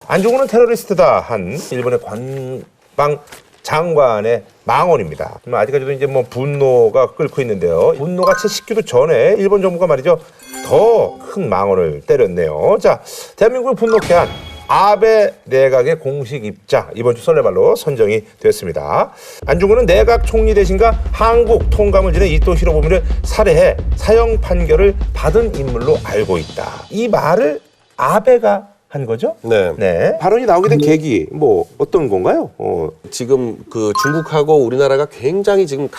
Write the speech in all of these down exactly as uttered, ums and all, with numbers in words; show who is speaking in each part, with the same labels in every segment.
Speaker 1: 안중근은 테러리스트다 한 일본의 관방 장관의 망언입니다. 아직까지도 이제 뭐 분노가 끓고 있는데요. 분노가 채 식기도 전에 일본 정부가 말이죠 더 큰 망언을 때렸네요. 자, 대한민국을 분노케 한 아베 내각의 공식 입장 이번 주 설레발로 선정이 됐습니다. 안중근은 내각 총리 대신과 한국 통감을 지낸 이토 히로부미를 살해해 사형 판결을 받은 인물로 알고 있다. 이 말을 아베가 한 거죠?
Speaker 2: 네.
Speaker 1: 네. 발언이 나오게 된 계기 뭐 어떤 건가요? 어.
Speaker 2: 지금 그 중국하고 우리나라가 굉장히 지금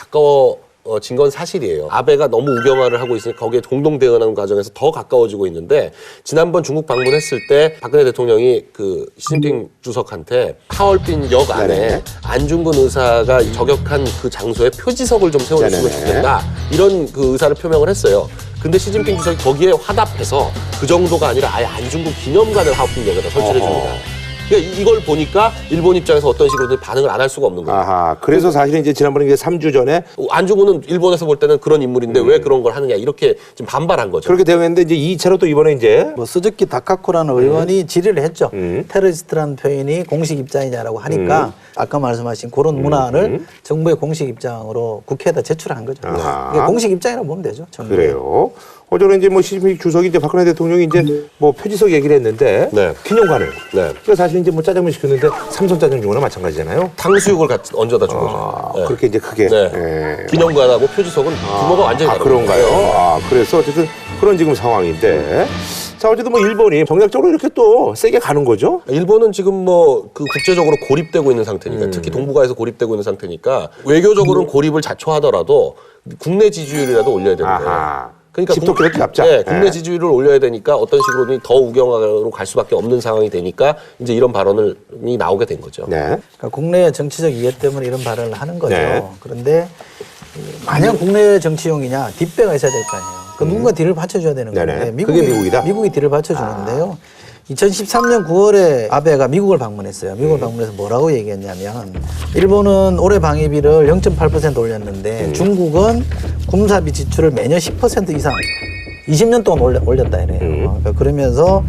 Speaker 2: 가까워진 건 사실이에요. 아베가 너무 우경화를 하고 있으니까 거기에 공동 대응하는 과정에서 더 가까워지고 있는데 지난번 중국 방문했을 때 박근혜 대통령이 그 시진핑 주석한테 하얼빈 역 안에
Speaker 1: 네네.
Speaker 2: 안중근 의사가 저격한 그 장소에 표지석을 좀 세워줬으면
Speaker 1: 네네네.
Speaker 2: 좋겠다. 이런 그 의사를 표명을 했어요. 근데 시진핑 주석이 거기에 화답해서 그 정도가 아니라 아예 안중근 기념관을 하얼빈역에다 설치를 해줍니다. 그러니까 이걸 보니까 일본 입장에서 어떤 식으로든 반응을 안 할 수가 없는 거예요.
Speaker 1: 아하. 그래서 사실은 이제 지난번에 이제 삼 주 전에
Speaker 2: 안중근은 일본에서 볼 때는 그런 인물인데 음. 왜 그런 걸 하느냐 이렇게 지금 반발한 거죠.
Speaker 1: 그렇게 대응했는데 이제 이 차로 또 이번에 이제
Speaker 3: 뭐 스즈키 다카코라는 의원이 질의를 했죠.
Speaker 1: 음.
Speaker 3: 테러리스트라는 표현이 공식 입장이냐라고 하니까 음. 아까 말씀하신 그런 문안을
Speaker 1: 음.
Speaker 3: 정부의 공식 입장으로 국회에다 제출한 거죠.
Speaker 1: 아하.
Speaker 3: 이게 공식 입장이라고 보면 되죠. 정부의.
Speaker 1: 그래요. 어제는 이제 뭐 시진핑 주석이 이제 박근혜 대통령이 이제 뭐 표지석 얘기를 했는데
Speaker 2: 네.
Speaker 1: 기념관을.
Speaker 2: 네.
Speaker 1: 그러니까 사실 이제 뭐 짜장면 시켰는데 삼선 짜장 중거나 마찬가지잖아요.
Speaker 2: 탕수육을 같이 얹어다 준 거죠.
Speaker 1: 아,
Speaker 2: 네.
Speaker 1: 그렇게 이제 크게.
Speaker 2: 네.
Speaker 1: 예.
Speaker 2: 기념관하고 표지석은 규모가 완전히
Speaker 1: 아,
Speaker 2: 다릅니다.
Speaker 1: 그런가요? 아, 그래서 어쨌든 그런 지금 상황인데. 자, 어쨌든 뭐 일본이 정략적으로 이렇게 또 세게 가는 거죠?
Speaker 2: 일본은 지금 뭐 그 국제적으로 고립되고 있는 상태니까
Speaker 1: 음.
Speaker 2: 특히 동북아에서 고립되고 있는 상태니까 외교적으로는 고립을 자초하더라도 국내 지지율이라도 올려야 되는 거예요.
Speaker 1: 아하.
Speaker 2: 그러니까
Speaker 1: 집토끼를 잡자.
Speaker 2: 네, 국내
Speaker 1: 네.
Speaker 2: 지지율을 올려야 되니까 어떤 식으로든 더 우경화로 갈 수밖에 없는 상황이 되니까 이제 이런 발언이 나오게 된 거죠.
Speaker 1: 네.
Speaker 3: 그러니까 국내의 정치적 이해 때문에 이런 발언을 하는 거죠.
Speaker 1: 네.
Speaker 3: 그런데 만약 국내 정치용이냐 뒷배가 있어야 될 거 아니에요. 그 누군가 뒤를 받쳐줘야 되는
Speaker 1: 네네.
Speaker 3: 건데
Speaker 1: 그게 미국이다?
Speaker 3: 미국이 뒤를 받쳐주는데요. 이천십삼 년 구월에 아베가 미국을 방문했어요. 미국을
Speaker 1: 음.
Speaker 3: 방문해서 뭐라고 얘기했냐면 일본은 올해 방위비를 영 점 팔 퍼센트 올렸는데
Speaker 1: 음.
Speaker 3: 중국은 군사비 지출을 매년 십 퍼센트 이상 이십 년 동안 올려, 올렸다 이래요.
Speaker 1: 음.
Speaker 3: 그러니까 그러면서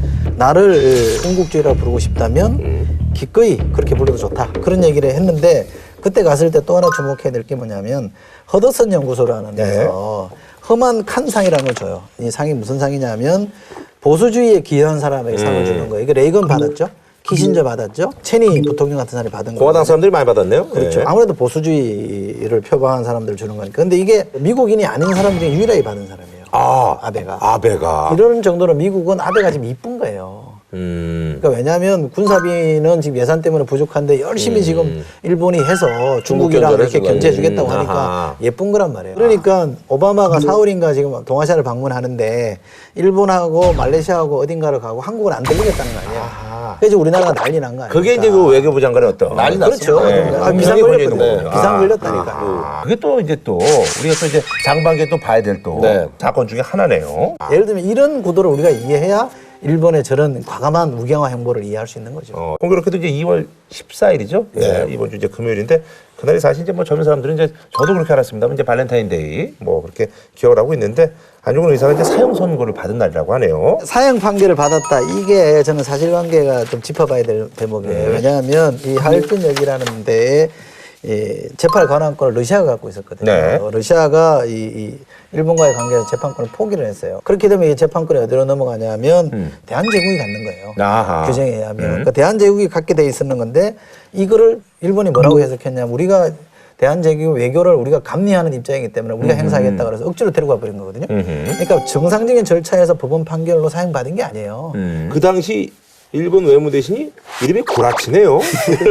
Speaker 3: 나를 군국주의라고 부르고 싶다면
Speaker 1: 음.
Speaker 3: 기꺼이 그렇게 불러도 좋다. 그런 얘기를 했는데 그때 갔을 때 또 하나 주목해야 될 게 뭐냐면 허드슨 연구소라는 데서
Speaker 1: 네.
Speaker 3: 험한 칸상이라는 걸 줘요. 이 상이 무슨 상이냐면 보수주의에 기여한 사람에게 상을
Speaker 1: 음.
Speaker 3: 주는 거예요. 이게 레이건 받았죠. 키신저 받았죠. 체니 부통령 같은 사람이 받은 거예요.
Speaker 1: 공화당 사람들이 많이 받았네요.
Speaker 3: 그렇죠.
Speaker 1: 네.
Speaker 3: 아무래도 보수주의를 표방한 사람들 주는 거니까. 근데 이게 미국인이 아닌 사람 중에 유일하게 받은 사람이에요.
Speaker 1: 아,
Speaker 3: 아베가.
Speaker 1: 아베가.
Speaker 3: 이런 정도로 미국은 아베가 지금 이쁜 거예요.
Speaker 1: 음.
Speaker 3: 그러니까 왜냐하면 군사비는 지금 예산 때문에 부족한데 열심히
Speaker 1: 음.
Speaker 3: 지금 일본이 해서 중국이랑 이렇게
Speaker 2: 견제를
Speaker 3: 견제해주겠다고
Speaker 1: 음.
Speaker 3: 하니까
Speaker 1: 아하.
Speaker 3: 예쁜 거란 말이에요. 그러니까 오바마가 사월인가 지금 동아시아를 방문하는데 일본하고 말레이시아하고 어딘가를 가고 한국은 안 들리겠다는 거 아니에요.
Speaker 1: 아하.
Speaker 3: 그래서 우리나라가 난리 난 거 아니에요.
Speaker 1: 그게 이제 그 외교부 장관의 어떤.
Speaker 2: 난리
Speaker 3: 그렇죠.
Speaker 2: 났어요.
Speaker 1: 네.
Speaker 3: 아, 비상
Speaker 1: 비상이
Speaker 3: 걸렸거든요.
Speaker 1: 걸려 있는
Speaker 3: 비상
Speaker 1: 거군요.
Speaker 3: 걸렸다니까.
Speaker 1: 아, 그게 또 이제 또 우리가 또 이제 장반기에 또 봐야 될 또
Speaker 2: 네.
Speaker 1: 사건 중에 하나네요.
Speaker 3: 예를 들면 이런 구도를 우리가 이해해야 일본의 저런 과감한 우경화 행보를 이해할 수 있는 거죠.
Speaker 1: 어, 공교롭게도 이제 이월 십사일이죠. 네. 이번 주 이제 금요일인데 그날이 사실 이제 뭐 젊은 사람들은 이제 저도 그렇게 알았습니다만 이제 발렌타인데이 뭐 그렇게 기억을 하고 있는데 안중근 의사가 이제 사형 선고를 받은 날이라고 하네요.
Speaker 3: 사형 판결을 받았다. 이게 저는 사실관계가 좀 짚어봐야 될 대목이에요.
Speaker 1: 네.
Speaker 3: 왜냐하면 이 하얼빈역이라는 데에 이 재판 관할권을 러시아가 갖고 있었거든요.
Speaker 1: 네.
Speaker 3: 러시아가 이, 이 일본과의 관계에서 재판권을 포기를 했어요. 그렇게 되면 이 재판권이 어디로 넘어가냐면
Speaker 1: 음.
Speaker 3: 대한제국이 갖는 거예요.
Speaker 1: 아하.
Speaker 3: 규정에 의하면.
Speaker 1: 음.
Speaker 3: 그러니까 대한제국이 갖게 돼 있었는 건데 이거를 일본이 뭐라고 해석했냐면 우리가 대한제국 외교를 우리가 감리하는 입장이기 때문에 우리가 행사하겠다 그래서 억지로 데리고 와버린 거거든요.
Speaker 1: 음흠.
Speaker 3: 그러니까 정상적인 절차에서 법원 판결로 사형받은 게 아니에요.
Speaker 1: 음. 그 당시 일본 외무대신이 이름이 구라치네요.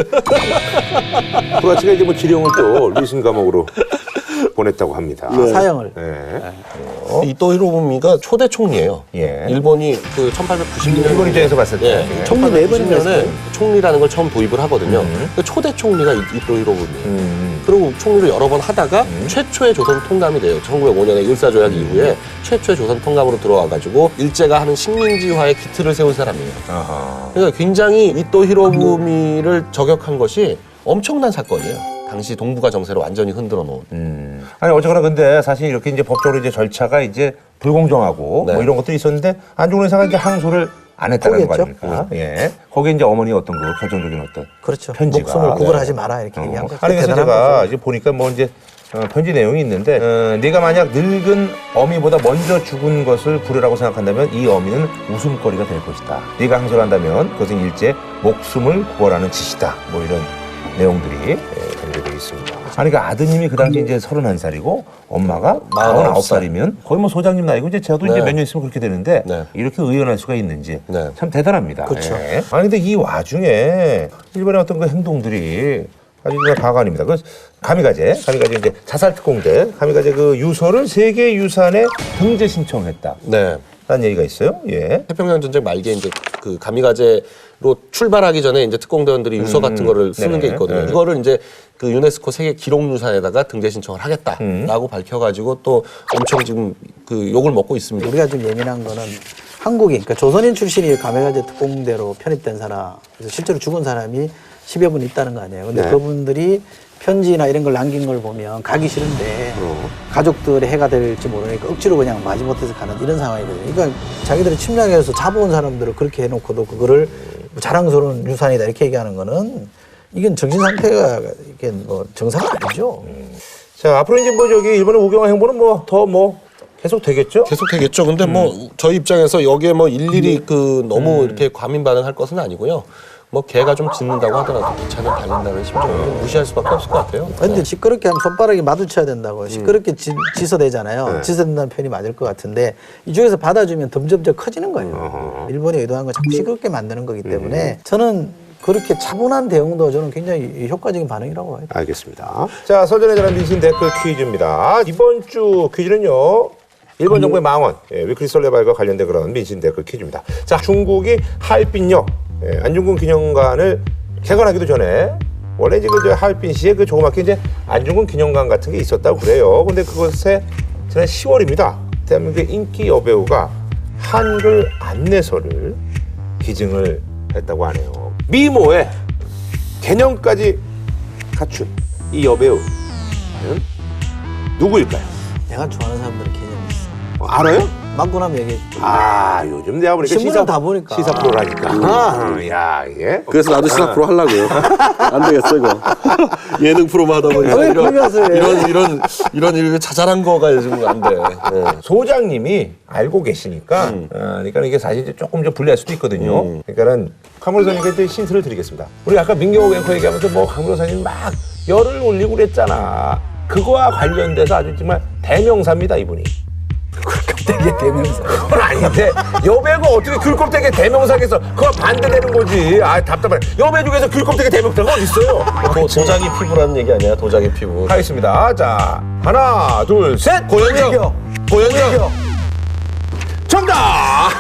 Speaker 1: 구라치가 이제 뭐 지령을 또 리슨 감옥으로 보냈다고 합니다.
Speaker 3: 사형을.
Speaker 1: 네.
Speaker 2: 이토 히로부미가 초대 총리예요.
Speaker 1: 예.
Speaker 2: 일본이 그 천팔백구십 년
Speaker 1: 일본 입장에서 봤을 때.
Speaker 2: 예,
Speaker 1: 예.
Speaker 3: 총리 네 번이나
Speaker 2: 천팔백구십 년에 총리라는 걸 처음 도입을 하거든요.
Speaker 1: 음.
Speaker 2: 그 초대 총리가 이- 이토 히로부미예요.
Speaker 1: 음.
Speaker 2: 그리고 총리를 여러 번 하다가 최초의 조선 통감이 돼요. 천구백오 년에 일사조약 이후에 최초의 조선 통감으로 들어와가지고 일제가 하는 식민지화의 기틀을 세운 사람이에요.
Speaker 1: 아하.
Speaker 2: 그러니까 굉장히 이토 히로부미를 저격한 것이 엄청난 사건이에요. 당시 동북아 정세를 완전히 흔들어 놓은.
Speaker 1: 음. 아니 어쨌거나 근데 사실 이렇게 이제 법적으로 이제 절차가 이제 불공정하고
Speaker 2: 네.
Speaker 1: 뭐 이런 것들이 있었는데 안중근 의사가 이제 항소를 안 했다는 거
Speaker 3: 포기했죠.
Speaker 1: 아닙니까? 예. 거기에 이제 어머니 어떤 거 결정적인 어떤
Speaker 3: 그렇죠.
Speaker 1: 편지가
Speaker 3: 목숨을 구걸하지
Speaker 1: 네.
Speaker 3: 마라 이렇게
Speaker 1: 어.
Speaker 3: 얘기한 거죠.
Speaker 1: 아니 그래서
Speaker 3: 대단한
Speaker 1: 제가
Speaker 3: 거죠.
Speaker 1: 이제 보니까 뭐 이제 어, 편지 내용이 있는데 어, 네가 만약 늙은 어미보다 먼저 죽은 것을 불효라고 생각한다면 이 어미는 웃음거리가 될 것이다. 네가 항소한다면 그것은 일제 목숨을 구걸하는 짓이다. 뭐 이런 내용들이 예, 담겨져 있습니다. 아니 그러니까 아드님이 그 당시 이제 서른한 살이고 엄마가 마흔아홉 살이면 거의 뭐 소장님 나이고 이제 저도
Speaker 2: 네.
Speaker 1: 이제 몇 년 있으면 그렇게 되는데
Speaker 2: 네.
Speaker 1: 이렇게 의연할 수가 있는지
Speaker 2: 네.
Speaker 1: 참 대단합니다.
Speaker 3: 그렇죠.
Speaker 1: 예. 아니 근데 이 와중에 일본의 어떤 그 행동들이 아주 그냥 가관입니다. 그 가미가제, 가미가제 이제 자살특공대, 가미가제 그 유서를 세계유산에 등재 신청했다.
Speaker 2: 네.
Speaker 1: 라는 얘기가 있어요. 예.
Speaker 2: 태평양 전쟁 말기에 이제 그 가미가제로 출발하기 전에 이제 특공대원들이 유서 같은 거를 쓰는
Speaker 1: 네네.
Speaker 2: 게 있거든요.
Speaker 1: 네.
Speaker 2: 이거를 이제 그 유네스코 세계 기록유산에다가 등재 신청을 하겠다라고 밝혀가지고 또 엄청 지금 그 욕을 먹고 있습니다.
Speaker 3: 우리가 좀 예민한 거는 한국인, 그러니까 조선인 출신이 가메가제 특공대로 편입된 사람, 그래서 실제로 죽은 사람이 십여 분 있다는 거 아니에요. 근데
Speaker 1: 네.
Speaker 3: 그분들이 편지나 이런 걸 남긴 걸 보면 가기 싫은데
Speaker 1: 어.
Speaker 3: 가족들의 해가 될지 모르니까 억지로 그냥 마지못해서 가는 이런 상황이거든요. 그러니까 자기들이 침략해서 잡아온 사람들을 그렇게 해놓고도 그거를 뭐 자랑스러운 유산이다 이렇게 얘기하는 거는 이건 정신 상태가 이게 뭐 정상 아니죠.
Speaker 1: 자, 앞으로 이제 뭐 저기 일본의 우경화 행보는 뭐 더 뭐 계속 되겠죠?
Speaker 2: 계속 되겠죠. 근데 뭐 저희 입장에서 여기에 뭐 일일이 그 너무 이렇게 과민 반응할 것은 아니고요. 뭐 개가 좀 짖는다고 하더라도 기차는 달린다는 심정을 좀 무시할 수밖에 없을 것 같아요.
Speaker 3: 근데 시끄럽게 하면 손바닥이 마주쳐야 된다고. 시끄럽게 지, 지서대잖아요. 지서된다는 표현이 맞을 것 같은데 이쪽에서 받아주면 점점점 커지는 거예요. 일본이 의도한 건 자꾸 시끄럽게 만드는 거기 때문에 저는 그렇게 차분한 대응도 저는 굉장히 효과적인 반응이라고 봐요.
Speaker 1: 알겠습니다. 자, 서전에 대한 민심 댓글 퀴즈입니다. 이번 주 퀴즈는요. 일본 정부의 망언, 예, 위클리 설레발과 관련된 그런 민심 댓글 퀴즈입니다. 자, 중국이 하얼빈역, 예, 안중근 기념관을 개관하기도 전에 원래 이제 그 하얼빈시에 그 조그맣게 이제 안중근 기념관 같은 게 있었다고 그래요. 근데 그것에 지난 시월입니다. 대한민국의 인기 여배우가 한글 안내서를 기증을 했다고 하네요. 미모의 개념까지 갖춘 이 여배우는 누구일까요?
Speaker 3: 내가 좋아하는 사람들은 개념이 있어.
Speaker 1: 어, 알아요?
Speaker 3: 맞고 나면 얘기해.
Speaker 1: 아, 요즘 내가 보니까
Speaker 3: 신문을
Speaker 1: 시사,
Speaker 3: 다 보니까.
Speaker 1: 시사 프로라니까. 아, 야, 이게.
Speaker 2: 그래서 나도 시사 프로 하려고요. 안 되겠어 이거. 예능 프로만 하다 보니까
Speaker 3: 왜
Speaker 2: 이런
Speaker 3: 그러면서 해?
Speaker 2: 이런 이런 이런 이런 자잘한 거가 요즘 안 돼. 네.
Speaker 1: 소장님이 알고 계시니까, 어, 그러니까 이게 사실 이제 조금 좀 불리할 수도 있거든요. 그러니까는 카무로사님께 신스를 드리겠습니다. 우리 아까 민경호 앵커 얘기하면서 뭐 카무로사님 막 열을 올리고 그랬잖아. 그거와 관련돼서 아주 정말 대명사입니다, 이분이.
Speaker 3: 되게 대명사.
Speaker 1: 그건 아닌데 여배우가 어떻게 귤껍데기 대명사겠어? 그거 반대되는 거지. 아 답답하네. 여배 중에서 귤껍데기 대명사가 어디 있어요?
Speaker 2: 도, 도자기 피부라는 얘기 아니야? 도자기 피부.
Speaker 1: 하겠습니다. 자 하나 둘 셋.
Speaker 2: 고현정. 고현정.
Speaker 1: 정답.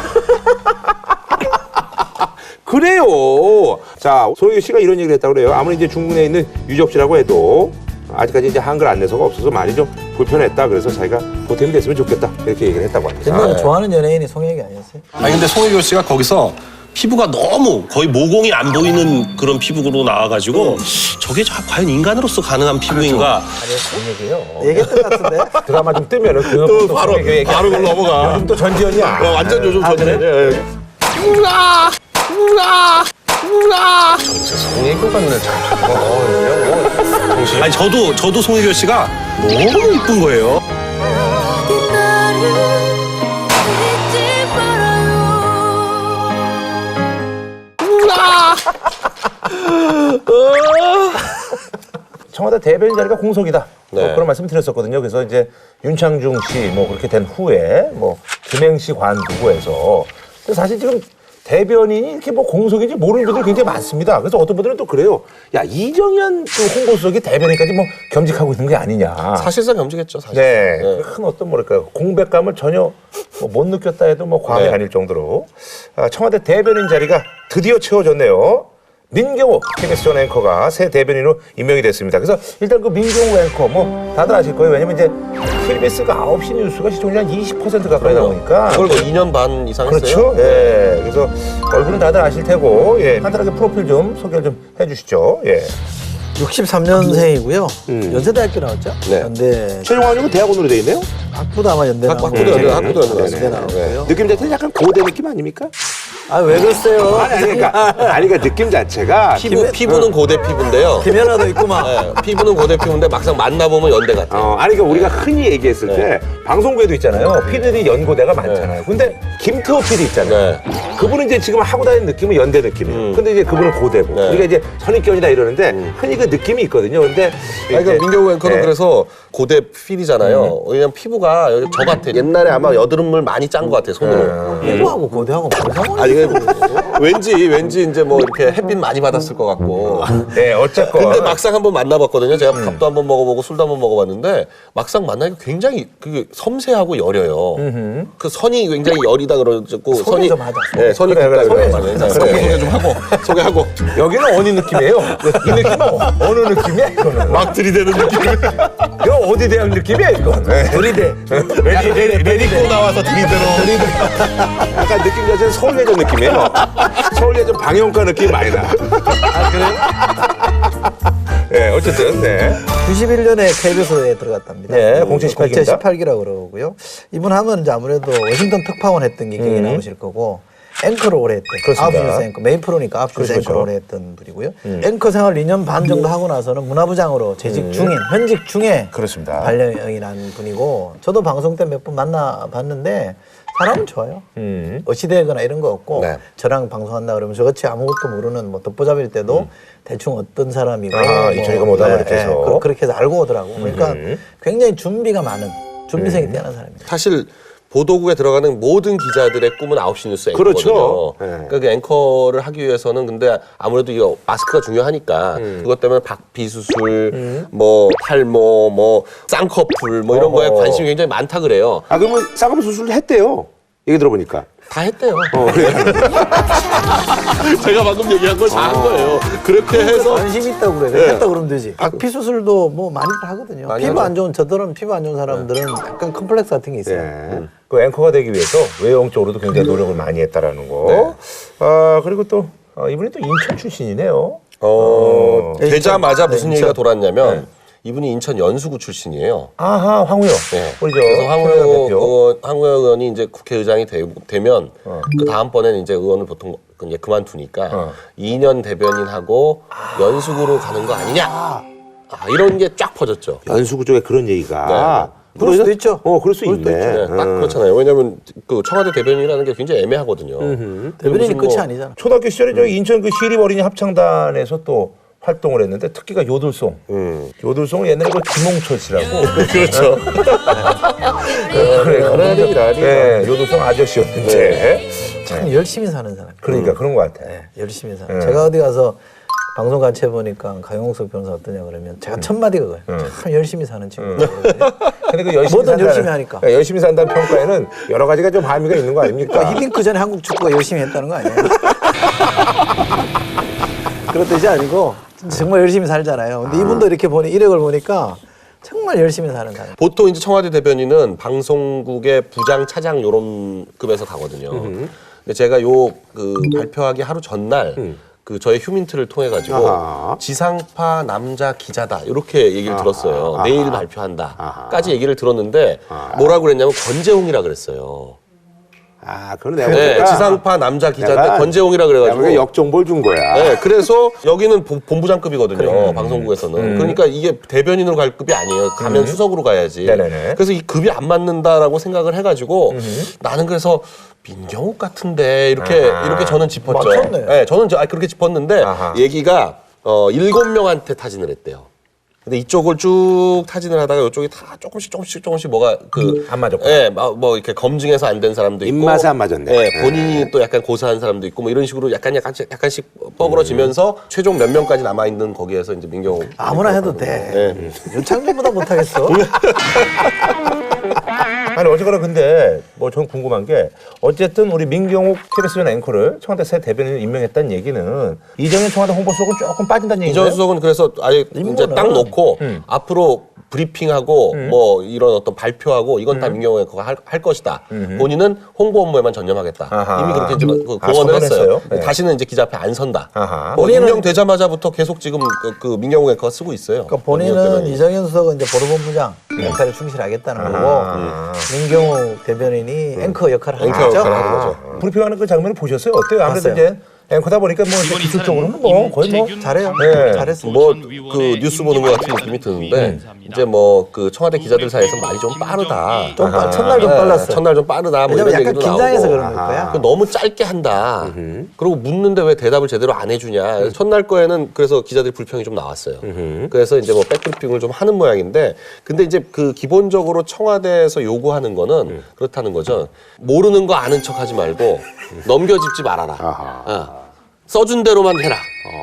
Speaker 1: 그래요. 자 손혜교 씨가 이런 얘기를 했다고 그래요. 아무리 이제 중국 내에 있는 유적지라고 해도 아직까지 이제 한글 안내서가 없어서 많이 좀 불편했다. 그래서 자기가 보탬이 됐으면 좋겠다. 이렇게 얘기를 했다고 합니다.
Speaker 3: 옛날에 좋아하는 연예인이 송혜교 아니었어요?
Speaker 4: 아니 근데 송혜교 씨가 거기서 피부가 너무 거의 모공이 안 보이는 그런 피부로 나와가지고 저게 자- 과연 인간으로서 가능한 피부인가?
Speaker 1: 아니 그런 얘기예요.
Speaker 3: 얘기했던 것 같은데?
Speaker 1: 드라마 좀 뜨면은 그
Speaker 2: 또 바로 바로 그걸 넘어가.
Speaker 1: 요즘 또 전지현이야.
Speaker 2: 어, 완전 요즘
Speaker 3: 아,
Speaker 2: 전에.
Speaker 3: 그래?
Speaker 2: 우라 우라 우라.
Speaker 1: 송혜교 같네 참.
Speaker 4: 아니 저도 저도 송혜교 씨가 너무 이쁜 거예요.
Speaker 5: 어디 나를 잊지 말아요.
Speaker 1: 청와대 대변인 자리가 공석이다.
Speaker 2: 네.
Speaker 1: 뭐 그런 말씀 드렸었거든요. 그래서 이제 윤창중 씨 뭐 그렇게 된 후에 뭐 김행시 관두고 해서 근데 사실 지금 대변인이 이렇게 뭐 공석인지 모르는 분들이 굉장히 많습니다. 그래서 어떤 분들은 또 그래요. 야 이정현 그 홍보수석이 대변인까지 뭐 겸직하고 있는 게 아니냐.
Speaker 2: 사실상 겸직했죠. 사실.
Speaker 1: 네,
Speaker 2: 네.
Speaker 1: 큰 어떤 뭐랄까요 공백감을 전혀 뭐못 느꼈다 해도 뭐 과언이
Speaker 2: 네.
Speaker 1: 아닐 정도로 아, 청와대 대변인 자리가 드디어 채워졌네요. 민경호 케이비에스 전 앵커가 새 대변인으로 임명이 됐습니다. 그래서 일단 그 민경호 앵커 뭐 다들 아실 거예요. 왜냐면 이제 케이비에스가 아홉 시 뉴스가 시청률 한 이십 퍼센트 가까이 나오니까
Speaker 2: 그걸 뭐 이 년 반 이상 했어요.
Speaker 1: 그렇죠. 예. 그래서 얼굴은 다들 아실 테고 예. 간단하게 프로필 좀 소개를 좀 해주시죠. 예.
Speaker 3: 육십삼 년생이고요. 연세대학교 나왔죠?
Speaker 2: 네.
Speaker 3: 연대
Speaker 1: 최종 학력은 대학원으로 돼 있네요.
Speaker 3: 학부도 아마 연대
Speaker 2: 학-
Speaker 3: 나오고
Speaker 2: 학부도 연대,
Speaker 3: 네.
Speaker 2: 학부도 연대
Speaker 3: 연대
Speaker 2: 나왔습니다.
Speaker 3: 나왔고요.
Speaker 1: 느낌 자체는 약간 고대 느낌 아닙니까?
Speaker 3: 아, 왜 그러세요?
Speaker 1: 아니, 아니, 그러니까, 아니, 그러니까 느낌 자체가.
Speaker 2: 피부, 피부는 고대 피부인데요.
Speaker 3: 김연아도 있구만.
Speaker 2: 네, 피부는 고대 피부인데 막상 만나보면 연대 같아요.
Speaker 1: 어, 아니, 그러니까 우리가 흔히 얘기했을 때 방송국에도 있잖아요. 피디들이 연고대가 많잖아요. 근데 김태호 피디 있잖아요.
Speaker 2: 네.
Speaker 1: 그분은 이제 지금 하고 다니는 느낌은 연대 느낌이에요.
Speaker 2: 음.
Speaker 1: 근데 이제 그분은 고대고.
Speaker 2: 네.
Speaker 1: 우리가 이제 선입견이다 이러는데 흔히 그 느낌이 있거든요. 근데.
Speaker 2: 아니, 그러니까 민경우 앵커는
Speaker 1: 네.
Speaker 2: 그래서 고대 필이잖아요. 왜냐면 피부가 저 같아. 옛날에 아마 여드름물 많이 짠 것 같아, 손으로.
Speaker 3: 피부하고 고대하고 무슨 상관이
Speaker 2: 아니, 그 왠지, 왠지 이제 뭐 이렇게 햇빛 많이 받았을 것 같고.
Speaker 1: 네, 어쨌건.
Speaker 2: 근데 막상 한번 만나봤거든요. 제가 밥도 한번 먹어보고 술도 한번 먹어봤는데 막상 만나니까 굉장히 그 섬세하고 여려요. 그 선이 굉장히 여리다 그러고
Speaker 3: 소개 좀 하자.
Speaker 2: 네, 선이
Speaker 1: 그래, 그래,
Speaker 2: 굵다
Speaker 1: 그래,
Speaker 2: 그래요.
Speaker 1: 그래.
Speaker 2: 소개,
Speaker 1: 그래.
Speaker 2: 소개 좀 하고 소개하고
Speaker 1: 여기는 어느 느낌이에요? 이 느낌은 어느 느낌이야, 이거는?
Speaker 2: 막 들이대는 느낌.
Speaker 1: 이거 어디 대학 느낌이야, 이건?
Speaker 3: 들이대.
Speaker 1: 레디, 레디, 레디고
Speaker 2: 나와서 들이대로.
Speaker 1: 약간 느낌 자체는 서울예전 느낌이에요. 서울예전 방영과 느낌 많이 나. 아, 그래요? 네, 어쨌든, 네.
Speaker 3: 구십일 년에 케이비에스에 들어갔답니다.
Speaker 1: 네, 공채십팔 기입니다.
Speaker 3: 공채십팔 기라고 그러고요. 이분 하면 이제 아무래도 워싱턴 특파원 했던 게 기억이 나오실 거고, 앵커를 오래 했던.
Speaker 1: 그렇습니다.
Speaker 3: 아홉 시 뉴스 앵커, 메인 프로니까 아홉 시 뉴스
Speaker 1: 그렇죠.
Speaker 3: 앵커를 오래 했던 분이고요. 앵커 생활 이 년 반 정도 하고 나서는 문화부장으로 재직 중인, 현직 중에
Speaker 1: 그렇습니다.
Speaker 3: 발령이 난 분이고, 저도 방송 때 몇 번 만나봤는데, 사람은 좋아요.
Speaker 1: 음.
Speaker 3: 어시되거나 이런 거 없고,
Speaker 2: 네.
Speaker 3: 저랑 방송한다 그러면 저같이 아무것도 모르는 뭐 덮보잡일 때도 대충 어떤 사람이고.
Speaker 1: 아, 이천이가 뭐다 이렇게 해서.
Speaker 3: 그, 그렇게 해서 알고 오더라고. 그러니까 굉장히 준비가 많은, 준비성이
Speaker 1: 음.
Speaker 3: 뛰어난 사람입니다.
Speaker 2: 사실 보도국에 들어가는 모든 기자들의 꿈은 아홉 시 뉴스 앵커거든요.
Speaker 1: 그렇죠. 네.
Speaker 2: 그러니까 그 앵커를 하기 위해서는 근데 아무래도 이 마스크가 중요하니까 그것 때문에 박비수술, 뭐 탈모, 뭐 쌍꺼풀 뭐 이런
Speaker 1: 어허.
Speaker 2: 거에 관심이 굉장히 많다 그래요.
Speaker 1: 아, 그러면 쌍꺼풀 수술을 했대요. 얘기 들어보니까.
Speaker 2: 다 했대요.
Speaker 1: 어, 그래.
Speaker 2: 제가 방금 얘기한 걸 다 한 거예요. 그렇게 해서
Speaker 3: 관심 있다고 그래.
Speaker 2: 네.
Speaker 3: 했다 그러면 되지. 박피 수술도 뭐 많이들 하거든요.
Speaker 2: 많이
Speaker 3: 피부
Speaker 2: 하죠.
Speaker 3: 안 좋은, 저들은 피부 안 좋은 사람들은 약간 컴플렉스 같은 게 있어요.
Speaker 1: 네. 그 앵커가 되기 위해서 외형적으로도 굉장히 노력을 많이 했다라는 거. 아, 그리고 또 어, 이분이 또 인천 출신이네요.
Speaker 2: 어, 되자마자
Speaker 3: 네,
Speaker 2: 무슨
Speaker 3: 인천.
Speaker 2: 얘기가 돌았냐면 이분이 인천 연수구 출신이에요.
Speaker 1: 아하, 황우여.
Speaker 2: 네.
Speaker 1: 우리 저
Speaker 2: 그래서 황우여
Speaker 1: 황우여 대표.
Speaker 2: 의원, 황우여 의원이 이제 국회의장이 되, 되면 그 다음번에는 이제 의원을 보통 그 이제 그만두니까
Speaker 1: 어.
Speaker 2: 이 년 대변인하고 연수구로 가는 거 아니냐? 아, 이런 게 쫙 퍼졌죠.
Speaker 1: 연수구 쪽에 그런 얘기가.
Speaker 3: 그럴 수도 있죠.
Speaker 1: 어, 그럴 수
Speaker 3: 그럴 수도
Speaker 1: 있네.
Speaker 2: 네, 딱 그렇잖아요. 왜냐하면 그 청와대 대변인이라는 게 굉장히 애매하거든요.
Speaker 3: 대변인이
Speaker 2: 무슨
Speaker 3: 끝이
Speaker 2: 뭐
Speaker 3: 아니잖아.
Speaker 1: 초등학교 시절에 저희 인천 그 시립 어린이 합창단에서 또 활동을 했는데 특기가 요들송. 요들송을 옛날에 그 김홍철 씨라고.
Speaker 2: 그렇죠.
Speaker 1: 그래, 그러니까. 네, 요들송 아저씨였는데.
Speaker 3: 참 열심히 사는 사람.
Speaker 1: 그러니까 그런 것 같아.
Speaker 3: 네, 열심히 사는. 제가 어디 가서 방송 같이 해보니까 강용석 변호사 어떠냐 그러면 제가 첫 마디가 그거예요. 참 열심히 사는 친구.
Speaker 1: 근데 그 열심히
Speaker 3: 뭐든
Speaker 1: 산다는-
Speaker 3: 열심히 하니까.
Speaker 1: 네, 열심히 산다는 평가에는 여러 가지가 좀 함의가 있는 거 아닙니까?
Speaker 3: 그러니까 히딩크 전에 한국 축구가 열심히 했다는 거 아니에요? 그런 뜻이 아니고 정말 열심히 살잖아요. 근데 이분도 이렇게 보니 이력을 보니까 정말 열심히 사는 사람.
Speaker 2: 보통 이제 청와대 대변인은 방송국의 부장, 차장 요런 급에서 가거든요. 근데 제가 요 그 발표하기 하루 전날 그 저의 휴민트를 통해 가지고
Speaker 1: 아하.
Speaker 2: 지상파 남자 기자다 이렇게 얘기를 들었어요.
Speaker 1: 아하.
Speaker 2: 내일 발표한다까지 얘기를 들었는데 뭐라고 그랬냐면 권재홍이라 그랬어요.
Speaker 1: 아, 그건 내가
Speaker 2: 네,
Speaker 1: 보니까
Speaker 2: 지상파 남자 기자인데
Speaker 1: 내가-
Speaker 2: 권재홍이라
Speaker 1: 내가
Speaker 2: 그래가지고
Speaker 1: 보니까 역정보를 준 거야.
Speaker 2: 네, 그래서 여기는 본- 본부장급이거든요. 방송국에서는. 그러니까 이게 대변인으로 갈 급이 아니에요. 가면 수석으로 가야지.
Speaker 1: 네네네.
Speaker 2: 그래서 이 급이 안 맞는다라고 생각을 해가지고 나는 그래서 민경욱 같은데 이렇게
Speaker 1: 아하.
Speaker 2: 이렇게 저는 짚었죠.
Speaker 3: 맞췄네.
Speaker 2: 네, 저는 저, 아, 그렇게 짚었는데
Speaker 1: 아하.
Speaker 2: 얘기가 어, 일곱 명한테 타진을 했대요. 근데 이쪽을 쭉 타진을 하다가 이쪽이 다 조금씩 조금씩 조금씩 뭐가 그
Speaker 1: 안 맞았구나.
Speaker 2: 예, 뭐, 뭐 이렇게 검증해서 안 된 사람도 있고
Speaker 1: 입맛에 안 맞았네.
Speaker 2: 예, 본인이 또 약간 고사한 사람도 있고 뭐 이런 식으로 약간 약간씩 약간씩 뻐그러지면서 최종 몇 명까지 남아 있는 거기에서 이제 민경욱
Speaker 3: 아무나 해도 돼.
Speaker 2: 예.
Speaker 3: 윤창준보다 못하겠어.
Speaker 1: 아니 어쨌거나 근데 뭐 전 궁금한 게 어쨌든 우리 민경욱 케이비에스 앵커를 청와대 새 대변인을 임명했다는 얘기는 이정현 청와대 홍보수석은 조금 빠진다는 얘기죠.
Speaker 2: 이전 수석은 그래서 아예 이제
Speaker 3: 인물은-
Speaker 2: 딱 놓고 앞으로 브리핑하고 뭐 이런 어떤 발표하고 이건 다 민경호 앵커가 할, 할 것이다. 본인은 홍보 업무에만 전념하겠다.
Speaker 1: 아하.
Speaker 2: 이미 그렇게 이제 그
Speaker 1: 아,
Speaker 2: 공언을 했어요.
Speaker 1: 선언했어요? 네.
Speaker 2: 다시는 이제 기자 앞에 안 선다.
Speaker 1: 아하.
Speaker 2: 뭐 임명되자마자부터 계속 지금 그, 그 민경호 앵커가 쓰고 있어요.
Speaker 3: 그러니까 본인은 이정현 수석은 이제 보도본부장 역할에 충실하겠다는 거고
Speaker 1: 아.
Speaker 3: 민경호 대변인이 앵커 역할을 하는
Speaker 2: 앵커
Speaker 3: 거죠.
Speaker 2: 역할을 하는 거죠.
Speaker 1: 브리핑하는 그 장면을 보셨어요? 어때요? 아무래도
Speaker 3: 봤어요.
Speaker 1: 이제 앵커다 보니까 뭐 이제 기술적으로는 뭐 거의 뭐
Speaker 3: 잘해요.
Speaker 1: 네.
Speaker 3: 잘했어.
Speaker 2: 뭐 그 뉴스 보는 것 같은 느낌이 드는데 이제 뭐 그 청와대 기자들 사이에서 말이 좀 빠르다.
Speaker 3: 좀 빨, 첫날 좀
Speaker 2: 네,
Speaker 3: 빨랐어요.
Speaker 2: 첫날 좀 빠르다. 뭐
Speaker 3: 왜냐면
Speaker 2: 이런
Speaker 3: 약간
Speaker 2: 얘기도
Speaker 3: 긴장해서
Speaker 2: 나오고.
Speaker 3: 그런 걸 거야.
Speaker 2: 그 너무 짧게 한다. 그리고 묻는데 왜 대답을 제대로 안 해주냐. 첫날 거에는 그래서 기자들이 불평이 좀 나왔어요. 그래서 이제 뭐 백브리핑을 좀 하는 모양인데, 근데 이제 그 기본적으로 청와대에서 요구하는 거는 그렇다는 거죠. 모르는 거 아는 척하지 말고 넘겨짚지 말아라. 어. 써준 대로만 해라.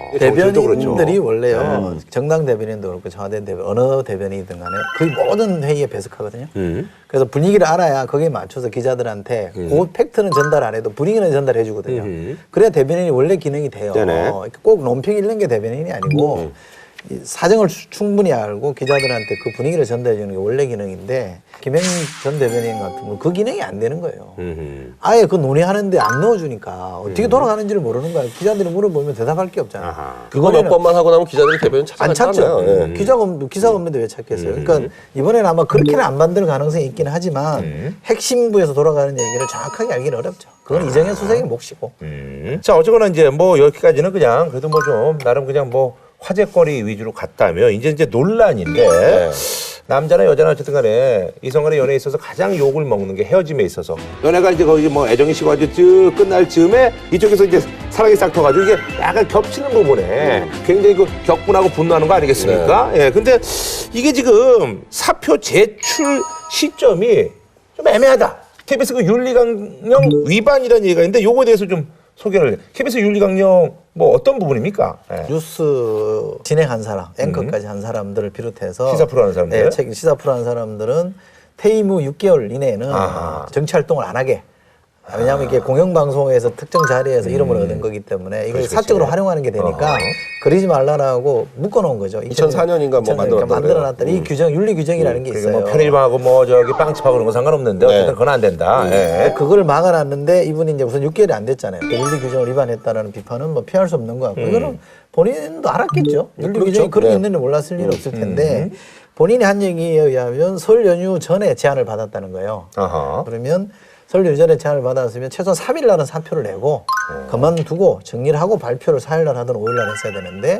Speaker 3: 대변인들이 원래요. 정당 대변인도 그렇고 청와대 대변 어느 대변인이든 간에 거의 모든 회의에 배석하거든요. 그래서 분위기를 알아야 거기에 맞춰서 기자들한테 그 팩트는 전달 안 해도 분위기는 전달해 주거든요. 그래야 대변인이 원래 기능이 돼요.
Speaker 1: 네네.
Speaker 3: 어, 꼭 논평 읽는 게 대변인이 아니고 이 사정을 수- 충분히 알고 기자들한테 그 분위기를 전달해 주는 게 원래 기능인데 김행 전 대변인 같은 경우는 그 기능이 안 되는 거예요. 아예 그 논의하는데 안 넣어주니까 어떻게 돌아가는지를 모르는 거예요. 기자들이 물어보면 대답할 게 없잖아요.
Speaker 2: 그거 몇 번만 하고 나면 기자들이 대변인
Speaker 3: 안 찾죠.
Speaker 2: 찾아갔잖아요. 예.
Speaker 3: 기자가, 없- 기사가 없는데 왜 찾겠어요? 그러니까 이번에는 아마 그렇게는 안 만들 가능성이 있긴 하지만 핵심부에서 돌아가는 얘기를 정확하게 알기는 어렵죠. 그건 이정현 수석의 몫이고.
Speaker 1: 음. 자, 어쨌거나 이제 뭐 여기까지는 그냥 그래도 뭐 좀 나름 그냥 뭐 화제거리 위주로 갔다면 이제 이제 논란인데 남자나 여자나 어쨌든 간에 이성간의 연애에 있어서 가장 욕을 먹는 게 헤어짐에 있어서 연애가 이제 거의 뭐 애정이 식고 아주 쭉 끝날 즈음에 이쪽에서 이제 사랑이 싹 터가지고 이게 약간 겹치는 부분에 굉장히 그 격분하고 분노하는 거 아니겠습니까? 예. 근데 이게 지금 사표 제출 시점이 좀 애매하다. 케이비에스 그 윤리강령 위반이라는 얘기가 있는데 요거에 대해서 좀 소개를 해. 케이비에스 윤리강령 뭐 어떤 부분입니까? 예.
Speaker 3: 뉴스 진행한 사람, 앵커까지 한 사람들을 비롯해서
Speaker 1: 시사 프로 하는 사람들?
Speaker 3: 네, 책 시사 프로 하는 사람들은 퇴임 후 육 개월 이내에는
Speaker 1: 아하.
Speaker 3: 정치 활동을 안 하게. 왜냐하면 이게 공영방송에서 특정 자리에서 이름을 얻은 거기 때문에 이걸
Speaker 1: 그렇지,
Speaker 3: 사적으로
Speaker 1: 그렇지.
Speaker 3: 활용하는 게 되니까
Speaker 1: 어허.
Speaker 3: 그러지 말라라고 묶어놓은 거죠.
Speaker 2: 이천사 년인가 뭐 만들었다고
Speaker 3: 만들어놨더니 이 규정, 윤리 규정이라는 게
Speaker 1: 그러니까
Speaker 3: 있어요.
Speaker 1: 뭐 편의점하고 뭐 저기 빵집하고 그런 건 상관없는데 어쨌든 그건 안 된다. 예.
Speaker 3: 그걸 막아놨는데 이분이 이제 우선 육 개월이 안 됐잖아요. 그 윤리 규정을 위반했다는 비판은 뭐 피할 수 없는 것 같고 이거는 본인도 알았겠죠. 윤리
Speaker 2: 그렇죠.
Speaker 3: 규정이 그런 게
Speaker 2: 네.
Speaker 3: 있는지 몰랐을 일은 없을 텐데 본인이 한 얘기에 의하면 설 연휴 전에 제안을 받았다는 거예요.
Speaker 1: 어허.
Speaker 3: 그러면 설 연휴 전에 제안을 받았으면 최소한 삼 일 날은 사표를 내고 그만두고 정리를 하고 발표를 사 일 날 하든 오 일 날 했어야 되는데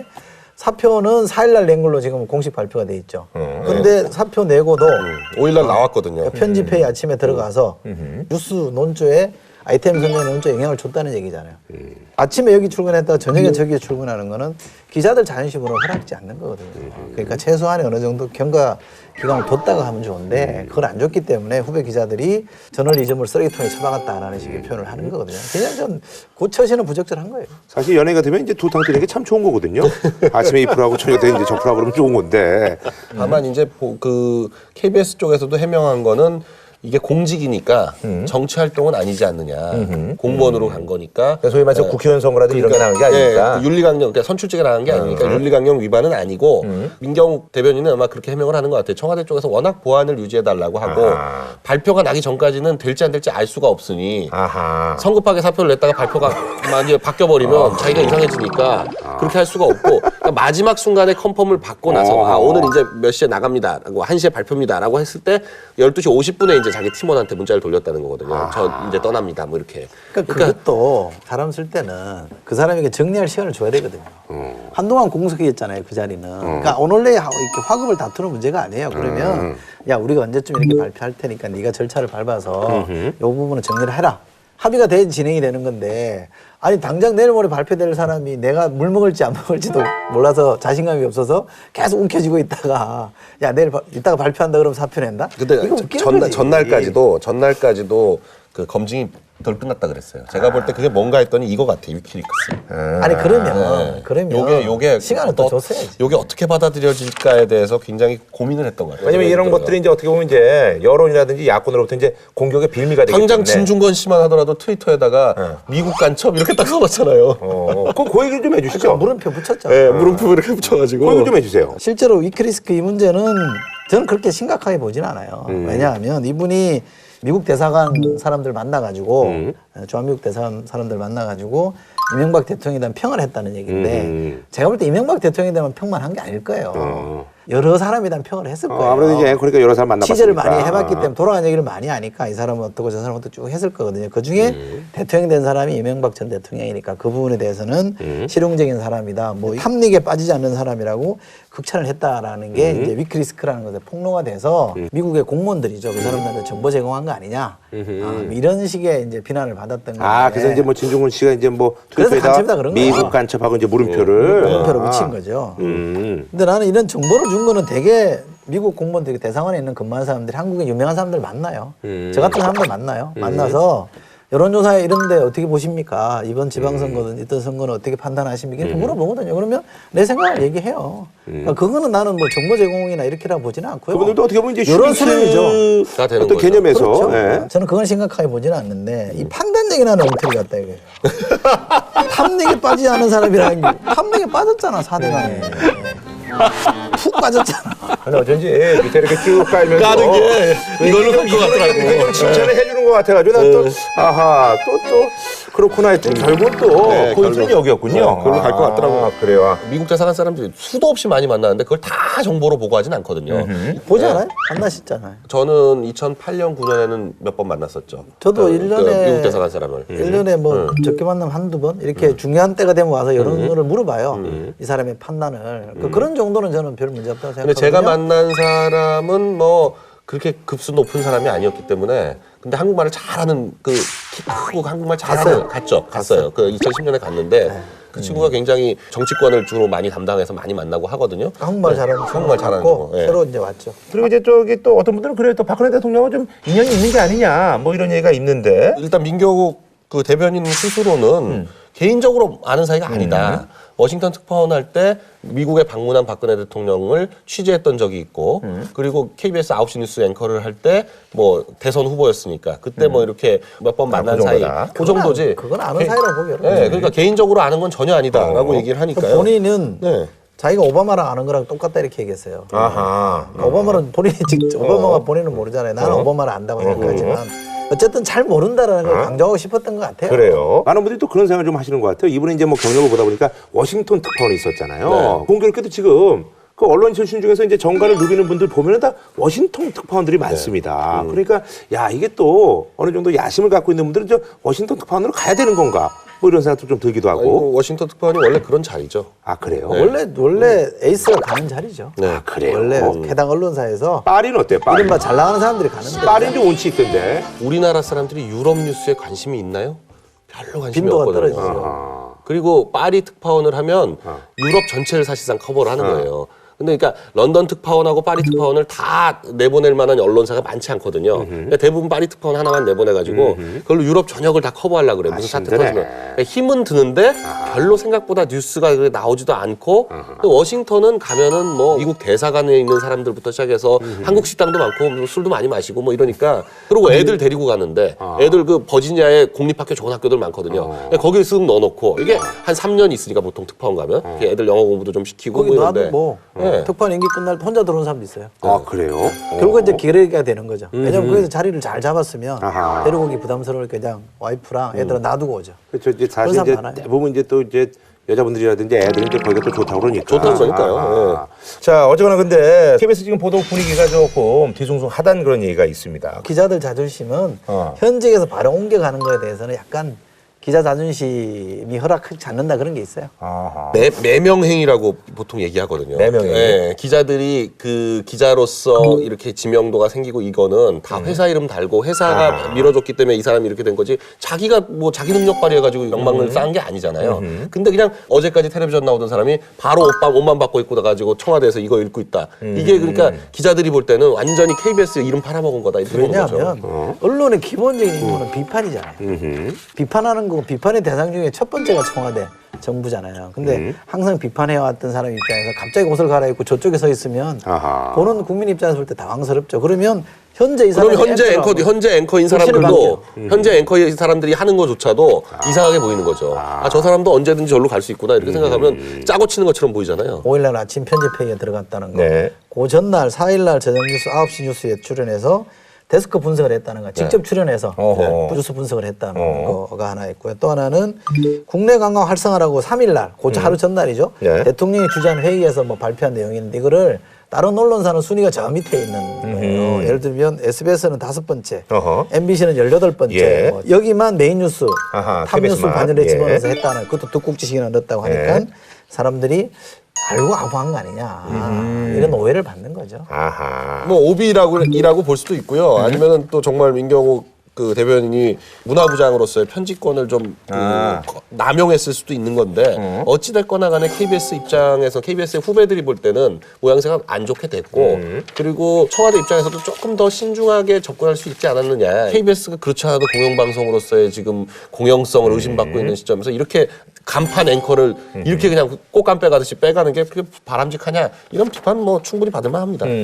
Speaker 3: 사표는 사 일 날 낸 걸로 지금 공식 발표가 돼 있죠. 근데 사표 내고도
Speaker 2: 오 일 날 나왔거든요.
Speaker 3: 편집회의 아침에 들어가서 뉴스 논조에 아이템 선정 논조에 영향을 줬다는 얘기잖아요. 아침에 여기 출근했다가 저녁에 저기 출근하는 거는 기자들 자존심으로 허락지 않는 거거든요. 그러니까 최소한의 어느 정도 경과 기간을 뒀다가 하면 좋은데 그걸 안 줬기 때문에 후배 기자들이 저널리즘을 쓰레기통에 처박았다라는 식의 표현을 하는 거거든요. 그냥 좀 고처시는 부적절한 거예요.
Speaker 1: 사실 연예가 되면 이제 두 탕 뜨는 게 참 좋은 거거든요. 아침에 이 프로하고 저녁 때 이제 저 프로하고 그러면 좋은 건데.
Speaker 2: 다만 이제 보- 그 케이비에스 쪽에서도 해명한 거는 이게 공직이니까 정치 활동은 아니지 않느냐. 공무원으로 간 거니까.
Speaker 1: 소위 말해서 국회의원 선거라든지 이런 게 나온 게 아니니까.
Speaker 2: 예, 그 윤리강령, 그러니까 선출직에 나간 게 아니니까 윤리강령 위반은 아니고 민경욱 대변인은 아마 그렇게 해명을 하는 것 같아요. 청와대 쪽에서 워낙 보안을 유지해달라고 하고
Speaker 1: 아하.
Speaker 2: 발표가 나기 전까지는 될지 안 될지 알 수가 없으니
Speaker 1: 아하.
Speaker 2: 성급하게 사표를 냈다가 발표가 만약에 바뀌어버리면 자기가 이상해지니까 그렇게 할 수가 없고 그러니까 마지막 순간에 컨펌을 받고 나서 아, 오늘 이제 몇 시에 나갑니다. 라고 한 시에 발표입니다. 라고 했을 때 열두 시 오십 분에 이제 자기 팀원한테 문자를 돌렸다는 거거든요. 저 이제 떠납니다. 뭐 이렇게.
Speaker 3: 그러니까, 그것도 사람 쓸 때는 그 사람에게 정리할 시간을 줘야 되거든요. 한동안 공석이었잖아요, 그 자리는. 그러니까 오늘내 이렇게 화급을 다투는 문제가 아니에요. 그러면 야 우리가 언제쯤 이렇게 발표할 테니까 네가 절차를 밟아서 이 부분은 정리를 해라. 합의가 돼 진행이 되는 건데 아니 당장 내일 모레 발표될 사람이 내가 물 먹을지 안 먹을지도 몰라서 자신감이 없어서 계속 움켜쥐고 있다가 야 내일 바, 이따가 발표한다 그러면 사표 낸다?
Speaker 2: 근데
Speaker 3: 이거 웃기는
Speaker 2: 전날,
Speaker 3: 거지.
Speaker 2: 전날까지도 전날까지도 그 검증이 덜 끝났다 그랬어요. 제가 볼 때 그게 뭔가 했더니 이거 같아 위키리크스.
Speaker 3: 아니 그러면
Speaker 2: 네.
Speaker 3: 그러면
Speaker 2: 요게 요게
Speaker 3: 시간을 또 줬어야지.
Speaker 2: 요게 어떻게 받아들여질까에 대해서 굉장히 고민을 했던 것 같아요.
Speaker 1: 왜냐면 이런
Speaker 2: 생각이
Speaker 1: 것들이 이제 어떻게 보면 이제 여론이라든지 야권으로부터 이제 공격의 빌미가 되기 때문에.
Speaker 2: 당장 진중권 씨만 하더라도 트위터에다가 미국 간첩 이렇게 딱 써놨잖아요.
Speaker 1: 어, 그럼 그 얘기를 좀 해주시죠.
Speaker 3: 물음표 붙였죠.
Speaker 2: 네, 물음표 이렇게 붙여가지고.
Speaker 1: 그 얘기 좀 해주세요.
Speaker 3: 실제로 위키리스크 이 문제는 저는 그렇게 심각하게 보진 않아요. 왜냐하면 이분이 미국 대사관 사람들 만나가지고
Speaker 1: 음.
Speaker 3: 주한미국 대사관 사람들 만나가지고 이명박 대통령에 대한 평을 했다는 얘기인데
Speaker 1: 음.
Speaker 3: 제가 볼 때 이명박 대통령에 대한 평만 한 게 아닐 거예요.
Speaker 1: 어.
Speaker 3: 여러 사람에 대한 평을 했을 거예요.
Speaker 1: 어, 아무래도 이제 그러니까 여러 사람 만나봤으니까.
Speaker 3: 취재를 많이 해봤기 때문에 돌아간 얘기를 많이 하니까 이 사람은 어떻고 저 사람은 어떻고 쭉 했을 거거든요. 그 중에
Speaker 1: 음.
Speaker 3: 대통령 된 사람이 이명박 전 대통령이니까 그 부분에 대해서는
Speaker 1: 음.
Speaker 3: 실용적인 사람이다. 뭐 탐닉에 빠지지 않는 사람이라고 극찬을 했다라는 게
Speaker 1: 음.
Speaker 3: 이제 위키리스크라는 것에 폭로가 돼서 미국의 공무원들이죠. 그 사람들한테 정보 제공한 거 아니냐. 아, 이런 식의 이제 비난을 받았던 건데.
Speaker 1: 아, 그래서 이제 뭐 진중훈 씨가 이제 뭐
Speaker 3: 그래서
Speaker 1: 투표에다
Speaker 3: 간첩이다 그런 거야.
Speaker 1: 미국 간첩하고 이제 물음표를
Speaker 3: 물음표로
Speaker 1: 아.
Speaker 3: 붙인 거죠.
Speaker 1: 음.
Speaker 3: 근데 나는 이런 정보를 준 거는 되게 미국 공무원들이 대사관에 있는 근무하는 사람들이 한국에 유명한 사람들 만나요.
Speaker 1: 음.
Speaker 3: 저 같은 사람들 만나요. 만나서 여론조사에 이런데 어떻게 보십니까? 이번 지방선거든 이번 선거는 어떻게 판단하십니까? 이렇게 물어보거든요. 그러면 내 생각을 얘기해요. 그러니까 그거는 나는 뭐 정보 제공이나 이렇게라 보지는 않고요.
Speaker 1: 그분들도 어떻게 보면 이제
Speaker 3: 여론
Speaker 1: 슈리츠
Speaker 3: 수렴이죠.
Speaker 2: 다 되는
Speaker 1: 어떤
Speaker 2: 거죠.
Speaker 1: 개념에서
Speaker 3: 그렇죠.
Speaker 1: 예.
Speaker 3: 저는 그건 심각하게 보지는 않는데 이 판단력이 나는 엉터리 같다 이거예요. 탐닉에 빠지지 않은 사람이라는 게 탐닉에 빠졌잖아 사대강에. 푹 빠졌잖아.
Speaker 1: 아니 어쩐지 밑에 이렇게 쭉 깔면서
Speaker 4: 까는 게 이걸로 갈 것 같더라고.
Speaker 1: 이게 좀 칭찬을 해주는 것 같아가지고 난 또 아하 또 또 그렇구나 했더니 결국은 또
Speaker 2: 네,
Speaker 1: 포인트는
Speaker 2: 결국.
Speaker 1: 여기였군요.
Speaker 2: 네, 그걸로 갈것 같더라고요.
Speaker 1: 아, 그래요.
Speaker 2: 미국 대사관 사람들이 수도 없이 많이 만나는데 그걸 다 정보로 보고 하진 않거든요.
Speaker 3: 보지
Speaker 2: 네.
Speaker 3: 않아요? 만나셨잖아요.
Speaker 2: 저는 이천팔 년, 구 년에는 몇 번 만났었죠.
Speaker 3: 저도
Speaker 2: 그,
Speaker 3: 일 년에
Speaker 2: 그 미국 대사관 사람을.
Speaker 3: 일 년에 뭐 적게 만나면 한두 번 이렇게 중요한 때가 되면 와서 여러 거를 물어봐요. 이 사람의 판단을. 그 그런 정도는 저는 별 문제 없다고
Speaker 2: 근데
Speaker 3: 생각하거든요.
Speaker 2: 제가 만난 사람은 뭐 그렇게 급수 높은 사람이 아니었기 때문에 근데 한국말을 잘하는 그 키 크고 한국말 잘하는 갔죠. 갔어요. 그 이천십 년에 갔는데 그 친구가 굉장히 정치권을 주로 많이 담당해서 많이 만나고 하거든요.
Speaker 3: 한국말
Speaker 2: 네,
Speaker 3: 잘하는
Speaker 2: 한국말 잘하는
Speaker 3: 고
Speaker 2: 친구. 예.
Speaker 3: 새로 이제 왔죠.
Speaker 1: 그리고 이제 저기 또 어떤 분들은 그래요. 또 박근혜 대통령은 좀 인연이 있는 게 아니냐 뭐 이런 얘기가 있는데.
Speaker 2: 일단 민경욱 그 대변인 스스로는 개인적으로 아는 사이가 아니다. 워싱턴 특파원 할 때 미국에 방문한 박근혜 대통령을 취재했던 적이 있고 그리고 케이비에스 아홉 시 뉴스 앵커를 할 때 뭐 대선 후보였으니까 그때 뭐 이렇게 몇 번
Speaker 1: 아,
Speaker 2: 만난
Speaker 1: 그
Speaker 2: 사이
Speaker 1: 정도다.
Speaker 2: 그 정도지.
Speaker 3: 그건 아는
Speaker 2: 개-
Speaker 3: 사이라고 보기 어려워요.
Speaker 2: 네, 그러니까 개인적으로 아는 건 전혀 아니다라고
Speaker 1: 어.
Speaker 2: 얘기를 하니까요.
Speaker 3: 본인은
Speaker 2: 네.
Speaker 3: 자기가 오바마랑 아는 거랑 똑같다 이렇게 얘기했어요.
Speaker 1: 아하.
Speaker 3: 그러니까 오바마는 본인이 직접 오바마가 본인은 모르잖아요. 나는
Speaker 1: 어.
Speaker 3: 오바마를 안다고 생각하지만 어쨌든 잘 모른다라는 걸 강조하고 싶었던 것 같아요.
Speaker 1: 그래요. 많은 분들이 또 그런 생각을 좀 하시는 것 같아요. 이번에 이제 뭐 경력을 보다 보니까 워싱턴 특파원이 있었잖아요.
Speaker 2: 네.
Speaker 1: 공교롭게도 지금 그 언론 출신 중에서 이제 정가를 누비는 분들 보면은 다 워싱턴 특파원들이 많습니다. 그러니까 야 이게 또 어느 정도 야심을 갖고 있는 분들은 저 워싱턴 특파원으로 가야 되는 건가? 뭐 이런 생각도 좀 들기도 하고.
Speaker 2: 아이고, 워싱턴 특파원이 원래 그런 자리죠.
Speaker 1: 아 그래요?
Speaker 3: 원래 원래 에이스가 가는 자리죠.
Speaker 2: 네.
Speaker 1: 아 그래요.
Speaker 3: 원래
Speaker 1: 어.
Speaker 3: 해당 언론사에서
Speaker 1: 파리는 어때요? 파리.
Speaker 3: 이른바 잘 나가는 사람들이 가는데
Speaker 1: 파리는 좀 운치 있던데.
Speaker 2: 우리나라 사람들이 유럽 뉴스에 관심이 있나요? 별로 관심이
Speaker 3: 빈도가
Speaker 2: 없거든요.
Speaker 3: 떨어지죠.
Speaker 1: 아.
Speaker 2: 그리고 파리 특파원을 하면
Speaker 1: 어.
Speaker 2: 유럽 전체를 사실상 커버를 하는 거예요. 근데 그러니까 런던 특파원하고 파리 특파원을 다 내보낼 만한 언론사가 많지 않거든요. 그러니까 대부분 파리 특파원 하나만 내보내가지고 그걸로 유럽 전역을 다 커버하려고 그래. 무슨
Speaker 1: 아,
Speaker 2: 사태
Speaker 1: 힘드네.
Speaker 2: 터지면. 그러니까 힘은 드는데 별로 생각보다 뉴스가 그렇게 나오지도 않고 또 워싱턴은 가면은 뭐 미국 대사관에 있는 사람들부터 시작해서 한국 식당도 많고 뭐 술도 많이 마시고 뭐 이러니까 그리고 애들 데리고 가는데 애들 그 버지니아에 공립학교 좋은 학교들 많거든요. 그러니까 거기에 쓱 넣어놓고 이게 한 삼 년 있으니까 보통 특파원 가면 이렇게 애들 영어 공부도 좀 시키고
Speaker 3: 거기
Speaker 2: 뭐
Speaker 3: 놔도
Speaker 2: 이런데
Speaker 3: 뭐
Speaker 2: 네.
Speaker 3: 특파원 임기 끝날 때 혼자 들어온 사람도 있어요.
Speaker 1: 아 그래요?
Speaker 3: 결국은 이제 기레기가 되는 거죠. 왜냐면 거기서 자리를 잘 잡았으면
Speaker 1: 아하.
Speaker 3: 데리고 오기 부담스러우니까 그냥 와이프랑 애들은 놔두고 오죠.
Speaker 1: 그렇죠. 이제 사실
Speaker 3: 그런
Speaker 1: 이제
Speaker 3: 사람 많아요.
Speaker 1: 대부분 이제 또 이제 여자분들이라든지 애들은 이제 거기가 또 좋다고 그러니까.
Speaker 2: 좋다고 그러니까요.
Speaker 1: 아. 자, 어쨌거나 근데 케이비에스 지금 보도 분위기가 조금 뒤숭숭하다는 그런 얘기가 있습니다.
Speaker 3: 기자들 자존심은
Speaker 1: 어.
Speaker 3: 현직에서 바로 옮겨가는 거에 대해서는 약간 기자 자존심이 허락하지 않는다 그런 게 있어요.
Speaker 1: 아하.
Speaker 2: 매, 매명행위라고 보통 얘기하거든요.
Speaker 1: 매명행위?
Speaker 2: 네, 기자들이 그 기자로서 이렇게 지명도가 생기고 이거는 다 회사 이름 달고 회사가 밀어줬기 때문에 이 사람이 이렇게 된 거지 자기가 뭐 자기 능력 발휘해가지고 영망을 쌓은 게 아니잖아요. 근데 그냥 어제까지 텔레비전 나오던 사람이 바로 옷만, 옷만 받고 입고 나가지고 청와대에서 이거 읽고 있다. 이게 그러니까 기자들이 볼 때는 완전히 케이비에스 이름 팔아먹은 거다. 이렇게 보는 거죠.
Speaker 3: 왜냐하면 언론의 기본적인 임무는 비판이잖아요. 비판하는 거 결국은 비판의 대상 중에 첫 번째가 청와대 정부잖아요. 근데
Speaker 1: 음.
Speaker 3: 항상 비판해왔던 사람 입장에서 갑자기 옷을 갈아입고 저쪽에 서 있으면
Speaker 1: 아하.
Speaker 3: 보는 국민 입장에서 볼 때 당황스럽죠. 그러면 현재 이 사람이
Speaker 2: 그럼 현재 앵커
Speaker 3: 앵커라고
Speaker 2: 현재 앵커인
Speaker 3: 불신을
Speaker 2: 사람들도
Speaker 3: 받게요.
Speaker 2: 현재 앵커인 사람들이 하는 것조차도 이상하게 보이는 거죠. 아 저 사람도 언제든지 저로 갈 수 있구나 이렇게 생각하면 짜고 치는 것처럼 보이잖아요.
Speaker 3: 오일날 아침 편집회의에 들어갔다는 거.
Speaker 1: 네.
Speaker 3: 그 전날 사일날 저녁 뉴스 아홉 시 뉴스에 출연해서 데스크 분석을 했다는 거. 직접 출연해서
Speaker 1: 어허.
Speaker 3: 뉴스 분석을 했다는
Speaker 1: 어.
Speaker 3: 거가 하나 있고요. 또 하나는 국내 관광 활성화라고 삼일날, 그 하루 전날이죠.
Speaker 1: 네.
Speaker 3: 대통령이 주재한 회의에서 뭐 발표한 내용인데 이거를 다른 언론사는 순위가 저 밑에 있는 거예요. 예를 들면 에스비에스는 다섯 번째,
Speaker 1: 어허.
Speaker 3: 엠비씨는 열여덟 번째.
Speaker 1: 예.
Speaker 3: 뭐 여기만 메인 뉴스,
Speaker 1: 아하,
Speaker 3: 탑뉴스
Speaker 1: 케이비에스만.
Speaker 3: 반열에
Speaker 1: 예.
Speaker 3: 집어넣어서 했다는 그것도 득국지식이나 넣었다고 하니까
Speaker 1: 예.
Speaker 3: 사람들이 알고 아부한 거 아니냐 이런 오해를 받는 거죠.
Speaker 1: 아하.
Speaker 2: 뭐 오비라고 이라고 볼 수도 있고요. 아니면은 또 정말 민경욱 그 대변인이 문화부장으로서의 편집권을 좀 그
Speaker 1: 아.
Speaker 2: 남용했을 수도 있는 건데 어찌 됐거나 간에 케이비에스 입장에서 케이비에스의 후배들이 볼 때는 모양새가 안 좋게 됐고 그리고 청와대 입장에서도 조금 더 신중하게 접근할 수 있지 않았느냐. 케이비에스가 그렇지 않아도 공영방송으로서의 지금 공영성을 의심받고 있는 시점에서 이렇게 간판 앵커를 이렇게 그냥 꽃감 빼가듯이 빼가는 게 그게 바람직하냐 이런 비판 뭐 충분히 받을 만합니다.